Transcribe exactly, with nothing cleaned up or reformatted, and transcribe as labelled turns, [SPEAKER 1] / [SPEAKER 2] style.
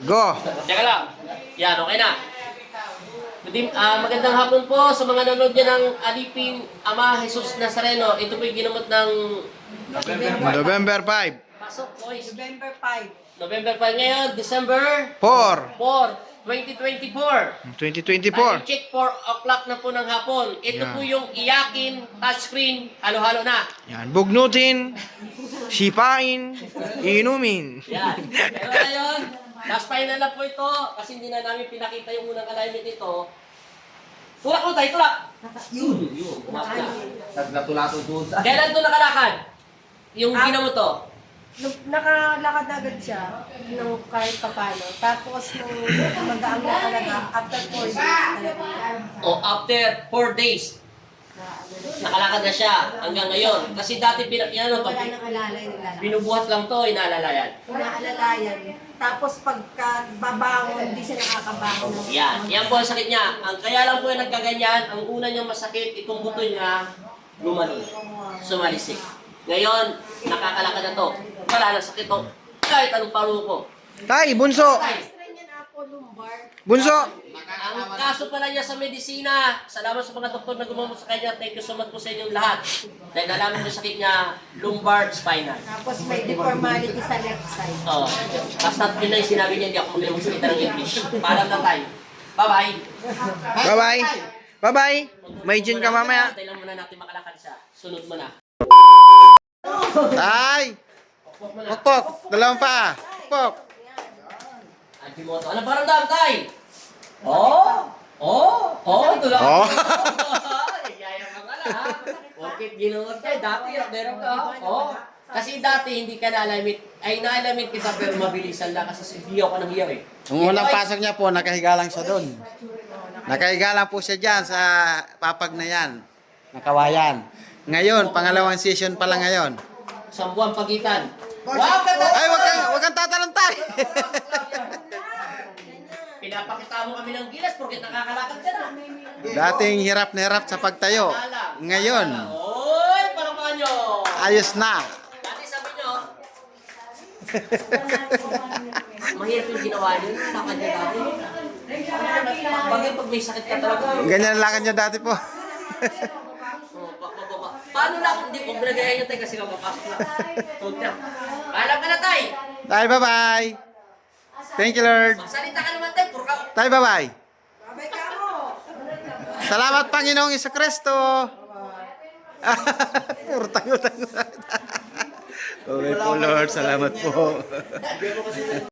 [SPEAKER 1] Go!
[SPEAKER 2] Teka lang. Yan, okay na. Good ah, magandang hapon po sa mga nanonood niya ng Aliping Ama Jesus Nazareno. Ito po yung ginamot ng
[SPEAKER 1] November five.
[SPEAKER 2] Pasok, boys.
[SPEAKER 3] November five.
[SPEAKER 2] November five ngayon, December
[SPEAKER 1] four.
[SPEAKER 2] four, twenty twenty-four.
[SPEAKER 1] twenty twenty-four.
[SPEAKER 2] Time check four o'clock na po ng hapon. Ito
[SPEAKER 1] Yan.
[SPEAKER 2] po yung iyakin, touchscreen, halo-halo na.
[SPEAKER 1] Yan. Bugnutin. Sipain. Inumin.
[SPEAKER 2] Yan. Pero ngayon, last final na po ito kasi hindi na namin pinakita yung unang alignment nito. Tulak mo tayo, tulak! Yun, yun. Umap na.
[SPEAKER 4] Naglatulato doon.
[SPEAKER 2] Kailan ito nakalakad? Yung
[SPEAKER 3] Ah.
[SPEAKER 2] ginamot to?
[SPEAKER 3] Nung nakalakad agad siya, nung kahit papano. Tapos nung magaang na talaga, after four days talaga.
[SPEAKER 2] O after four days, nakalakad na siya hanggang ngayon. Kasi dati, pina, yan, ano, to,
[SPEAKER 3] Wala nang alalay nila.
[SPEAKER 2] binubuhat lang to, inaalalayan.
[SPEAKER 3] Inaalalayan. Tapos pagka babangon, hindi siya nakakabangon.
[SPEAKER 2] Yan, yan po ang sakit niya. Ang kaya lang po yung nagkaganyan, ang una niyang masakit, itong buto niya, lumalun, sumalisik. Ngayon, nakakalakad na to. Wala na sakit to. Kahit anong paro ko.
[SPEAKER 1] Tay, bunso.
[SPEAKER 3] Extra niya na po lumbar.
[SPEAKER 1] Bunso.
[SPEAKER 2] Ang kaso pala niya sa medisina, salamat sa mga doktor na gumamot sa kanya. Thank you so much po sa inyong lahat. Dahil nalaman niyo sakit niya, lumbar spinal.
[SPEAKER 3] Tapos may deformality sa left side.
[SPEAKER 2] Oo. Basta yun na yung sinabi niya, hindi ako magaling magsalita ng English. Paalam na tayo. Bye-bye.
[SPEAKER 1] Bye-bye. Bye-bye. May gin ka mamaya.
[SPEAKER 2] Tayo lang muna natin makalakad siya. Sunod mo na.
[SPEAKER 1] Tay. Pokpok. Dalawang pa. Pokpok.
[SPEAKER 2] Antimoto. Ano parang dam, tay? Oh! Oh! Oh! Tulak.
[SPEAKER 1] Oh.
[SPEAKER 2] Yaya ka nga ha. Bakit ginuot tayo? Dati, meron ka. Oh! Kasi dati hindi ka na-alamit. Ay, na-alamit kita pero mabilisan lang kasi hiyaw ka ng hiyaw eh.
[SPEAKER 4] Nung unang pasok niya po, nakahiga lang siya doon. Nakahiga lang po siya dyan sa papag na yan. Nakawayan. Ngayon, pangalawang session pa lang ngayon.
[SPEAKER 2] Isang buwan pagitan. Wow! Kata!
[SPEAKER 4] Ay, wag kang, wag kang tatalantay!
[SPEAKER 2] Pinapakita mo kami ng gilas porque nakakalakad ka na.
[SPEAKER 4] Dating hirap na hirap sa pagtayo. Ngayon,
[SPEAKER 2] Oy! Parang kanyo!
[SPEAKER 4] ayos na.
[SPEAKER 2] Dati sabi nyo, mahirap yung ginawa niyo. Lakad niya dati. Bagay pag may sakit ka talaga.
[SPEAKER 4] Ganyan lang niya dati po.
[SPEAKER 2] Oh, pa- pa- pa- Paano lang? Hindi, huwag mo nagayahin niya tayo kasi kapapasok lang. Tuwag na. Paalam ka na tayo.
[SPEAKER 4] Tay, bye-bye. Thank you, Lord.
[SPEAKER 2] Magsalita ka naman tayo. Puro ka.
[SPEAKER 4] Tay, bye-bye.
[SPEAKER 3] Babay ka mo!
[SPEAKER 4] Salamat, Panginoong Isakristo. Urtang, utang. Okay po, Lord. Salamat po.